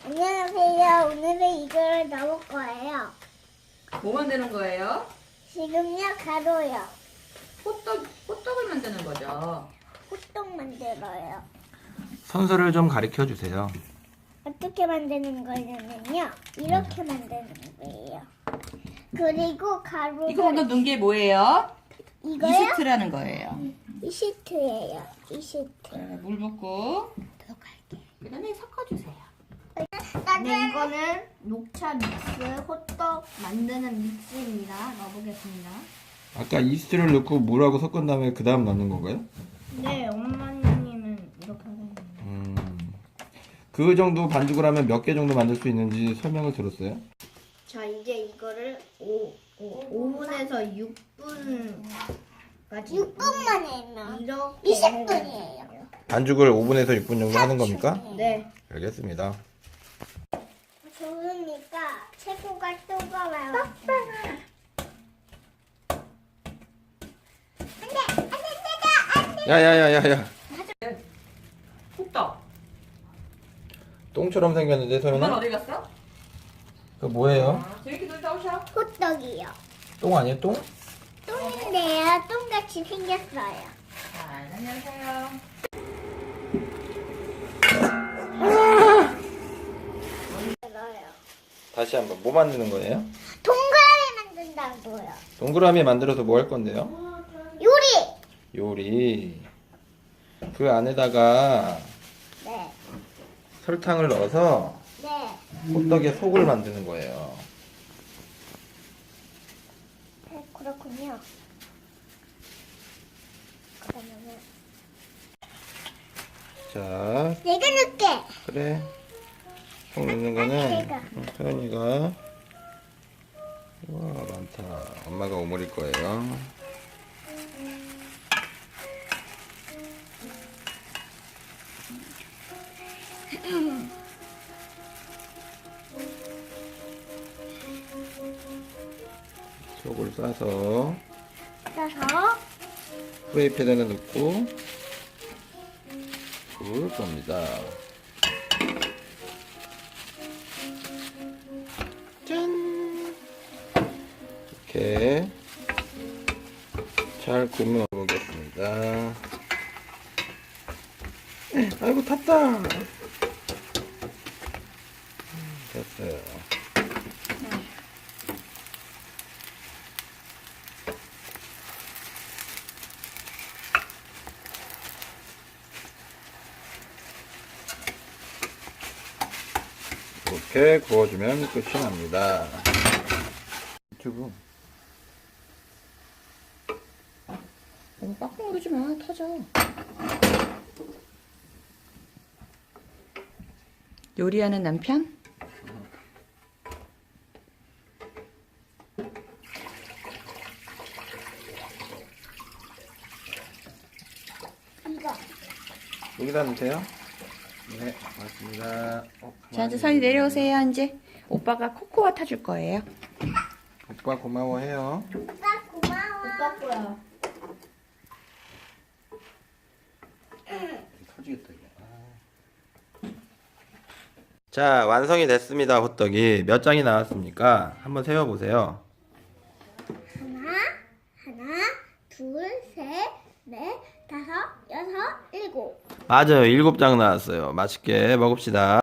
안녕하세요. 오늘은 이걸 넣을 거예요. 뭐 만드는 거예요? 지금요, 가루요. 호떡을 만드는 거죠. 호떡 만들어요. 선수를 좀 가르쳐 주세요. 어떻게 만드는 거냐면요. 이렇게 만드는 거예요. 그리고 가루를 이거 방금 넣은 게 뭐예요? 이거요? 이스트라는 거예요. 이시트예요. 이시트. 물 붓고 그 다음에 섞어주세요. 네, 이거는 녹차 믹스 호떡 만드는 믹스입니다. 넣어보겠습니다. 아까 이스트를 넣고 물하고 섞은 다음에 그 다음 넣는 건가요? 네, 엄마님은 이렇게 하세요. 그 정도 반죽을 하면 몇 개 정도 만들 수 있는지 설명을 들었어요? 자, 이제 이거를 5분에서 6분까지 6분만 해면 이렇게 20분이에요. 반죽을 5분에서 6분 정도 하는 겁니까? 네. 알겠습니다. 좋으니까 체코가 뜨거워요. 야야야야야, 호떡. 똥처럼 생겼는데 엄마 소연아? 어디 갔어? 그거 뭐예요? 저렇게 놀다 오셔. 호떡이요. 똥 아니에요? 똥? 똥인데요. 똥같이 생겼어요. 안녕하세요. 들어요. 다시 한번 뭐 만드는 거예요? 동그라미 만든다고요. 동그라미 만들어서 뭐 할 건데요? 요리. 요리. 그 안에다가 네. 설탕을 넣어서 네. 호떡의 속을 만드는 거예요. 네, 그렇군요. 그러면은 자, 내가 넣을게. 그래. 속 넣는 거는 내가. 서연이가. 와, 많다. 엄마가 오므릴 거예요. 속을 싸서 떠서 프라이팬에 넣고 구울 겁니다. 짠! 이렇게 잘 구워 보겠습니다. 아이고 탔다. 됐어요. 이렇게 구워주면 끝이 납니다. 유튜브. 너무 빡빡 누르지 마. 터져. 요리하는 남편? 이거. 여기다 넣으세요. 네, 맞습니다. 자, 이제 선이 내려오세요. 이제 오빠가 코코아 타줄 거예요. 오빠 고마워해요. 오빠 고마워. 오빠 거야. 터지겠다 이게. 자, 완성이 됐습니다. 호떡이 몇 장이 나왔습니까? 한번 세어보세요. 하나, 둘, 셋, 넷, 다섯, 여섯, 일곱. 맞아요. 7장 나왔어요. 맛있게 먹읍시다.